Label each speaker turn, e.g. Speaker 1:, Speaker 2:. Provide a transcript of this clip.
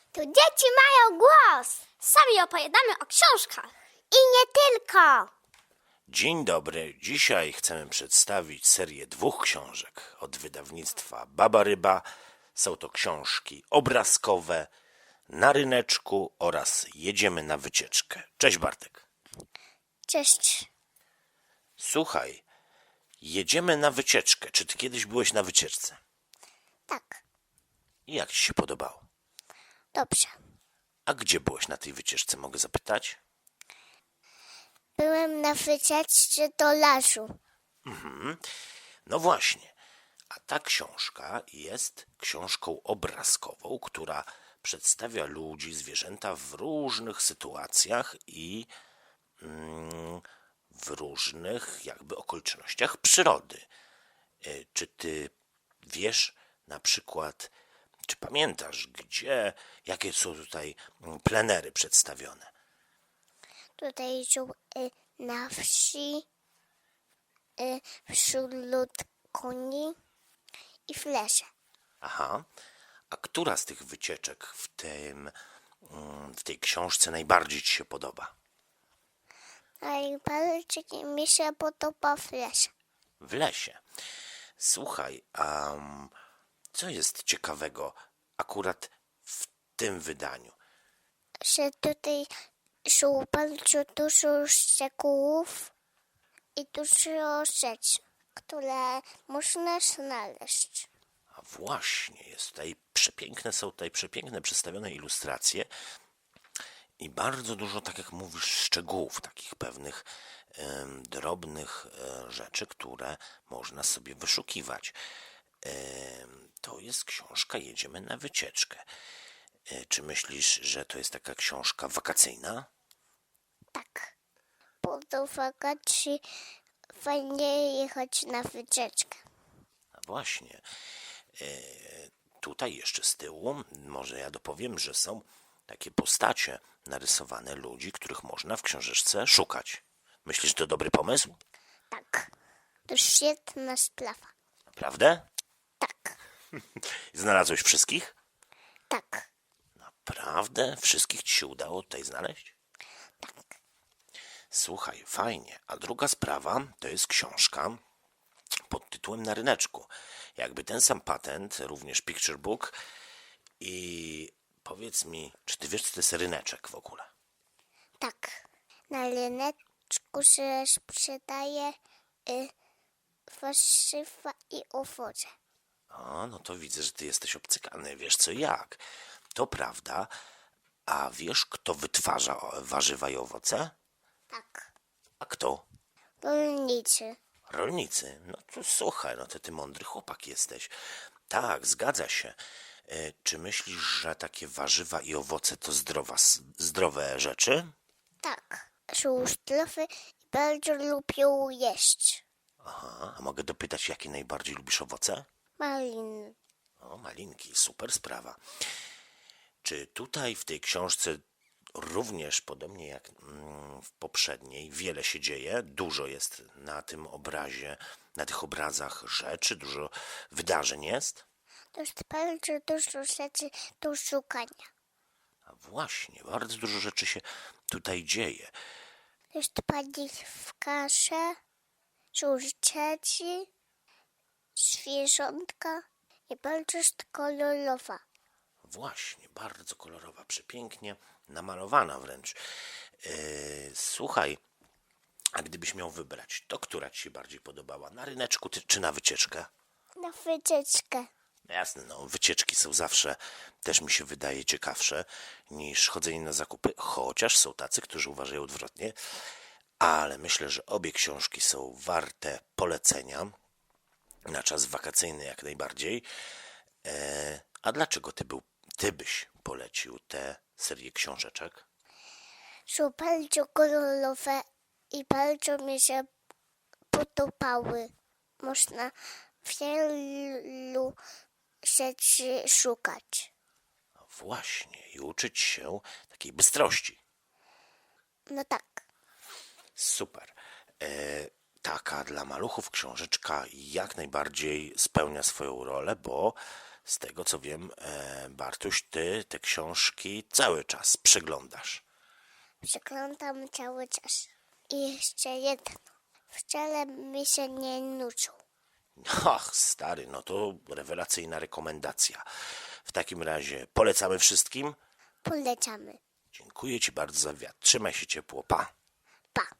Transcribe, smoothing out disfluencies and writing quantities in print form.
Speaker 1: Tu dzieci mają głos. Sami opowiadamy o książkach. I nie tylko.
Speaker 2: Dzień dobry. Dzisiaj chcemy przedstawić serię 2 książek od wydawnictwa Baba Ryba. Są to książki obrazkowe, Na ryneczku oraz Jedziemy na wycieczkę. Cześć Bartek.
Speaker 1: Cześć.
Speaker 2: Słuchaj, jedziemy na wycieczkę. Czy ty kiedyś byłeś na wycieczce?
Speaker 1: Tak,
Speaker 2: I jak ci się podobało?
Speaker 1: dobrze.
Speaker 2: A gdzie byłeś na tej wycieczce, mogę zapytać?
Speaker 1: Byłem na wycieczce do lasu.
Speaker 2: No właśnie. A ta książka jest książką obrazkową, która przedstawia ludzi, zwierzęta w różnych sytuacjach i w różnych jakby okolicznościach przyrody. Czy ty wiesz na przykład, czy pamiętasz, jakie są tutaj plenery przedstawione?
Speaker 1: Tutaj są na wsi, wśród koni i w lesie.
Speaker 2: Aha. A która z tych wycieczek w tej książce najbardziej ci się podoba?
Speaker 1: Najbardziej mi się podoba w lesie.
Speaker 2: W lesie. Słuchaj, a co jest ciekawego akurat w tym wydaniu?
Speaker 1: Że tutaj są bardzo dużo szczegółów i dużo rzeczy, które można znaleźć.
Speaker 2: A właśnie, są tutaj przepiękne przedstawione ilustracje i bardzo dużo, tak jak mówisz, szczegółów, takich pewnych drobnych rzeczy, które można sobie wyszukiwać. To jest książka Jedziemy na wycieczkę. Czy myślisz, że to jest taka książka wakacyjna?
Speaker 1: Tak, bo do wakacji fajnie jechać na wycieczkę.
Speaker 2: A właśnie. Tutaj jeszcze z tyłu, może ja dopowiem, że są takie postacie narysowane ludzi, których można w książeczce szukać. Myślisz, że to dobry pomysł?
Speaker 1: Tak, to świetna sprawa.
Speaker 2: Naprawdę?
Speaker 1: Tak,
Speaker 2: Znalazłeś wszystkich?
Speaker 1: tak,
Speaker 2: Naprawdę? Wszystkich ci się udało tutaj znaleźć?
Speaker 1: tak.
Speaker 2: Słuchaj, fajnie. A druga sprawa to jest książka pod tytułem Na ryneczku. Jakby ten sam patent, również picture book. I powiedz mi, czy ty wiesz, co to jest ryneczek w ogóle?
Speaker 1: Tak, na ryneczku się sprzedaje warzywa i owoce.
Speaker 2: A, no to widzę, że ty jesteś obcykany, wiesz co i jak. To prawda. A wiesz, kto wytwarza warzywa i owoce?
Speaker 1: Tak,
Speaker 2: A kto?
Speaker 1: rolnicy.
Speaker 2: Rolnicy. No to słuchaj, no to ty mądry chłopak jesteś. Tak, zgadza się. Czy myślisz, że takie warzywa i owoce to zdrowe rzeczy?
Speaker 1: Tak, są zdrowe i bardzo lubią jeść.
Speaker 2: Aha, a mogę dopytać, jakie najbardziej lubisz owoce?
Speaker 1: Maliny.
Speaker 2: O, malinki, super sprawa. Czy tutaj w tej książce również, podobnie jak w poprzedniej, wiele się dzieje, dużo jest na tym obrazie, na tych obrazach rzeczy, dużo wydarzeń jest?
Speaker 1: To jest bardzo dużo rzeczy do szukania.
Speaker 2: A właśnie, bardzo dużo rzeczy się tutaj dzieje.
Speaker 1: To jest pani w kasze, są dzieci, zwierzątka i bardzo jest kolorowa.
Speaker 2: Właśnie, bardzo kolorowa, przepięknie namalowana wręcz. Słuchaj, a gdybyś miał wybrać, to która ci się bardziej podobała? Na ryneczku czy na wycieczkę?
Speaker 1: Na wycieczkę.
Speaker 2: No jasne, no wycieczki są zawsze, też mi się wydaje, ciekawsze niż chodzenie na zakupy, chociaż są tacy, którzy uważają odwrotnie, ale myślę, że obie książki są warte polecenia na czas wakacyjny jak najbardziej. A dlaczego ty byś polecił tę serię książeczek?
Speaker 1: Są bardzo kolorowe i bardzo mi się podobały. Można wielu rzeczy szukać.
Speaker 2: No właśnie, i uczyć się takiej bystrości.
Speaker 1: No tak,
Speaker 2: Super. Taka dla maluchów książeczka jak najbardziej spełnia swoją rolę, bo Z tego co wiem, Bartuś, ty te książki cały czas przeglądasz.
Speaker 1: Przeglądam cały czas. I jeszcze jedno. Wcale mi się nie nudzą.
Speaker 2: Ach, stary, no to rewelacyjna rekomendacja. W takim razie polecamy wszystkim.
Speaker 1: Polecamy.
Speaker 2: Dziękuję ci bardzo za wywiad. Trzymaj się ciepło. Pa.
Speaker 1: Pa.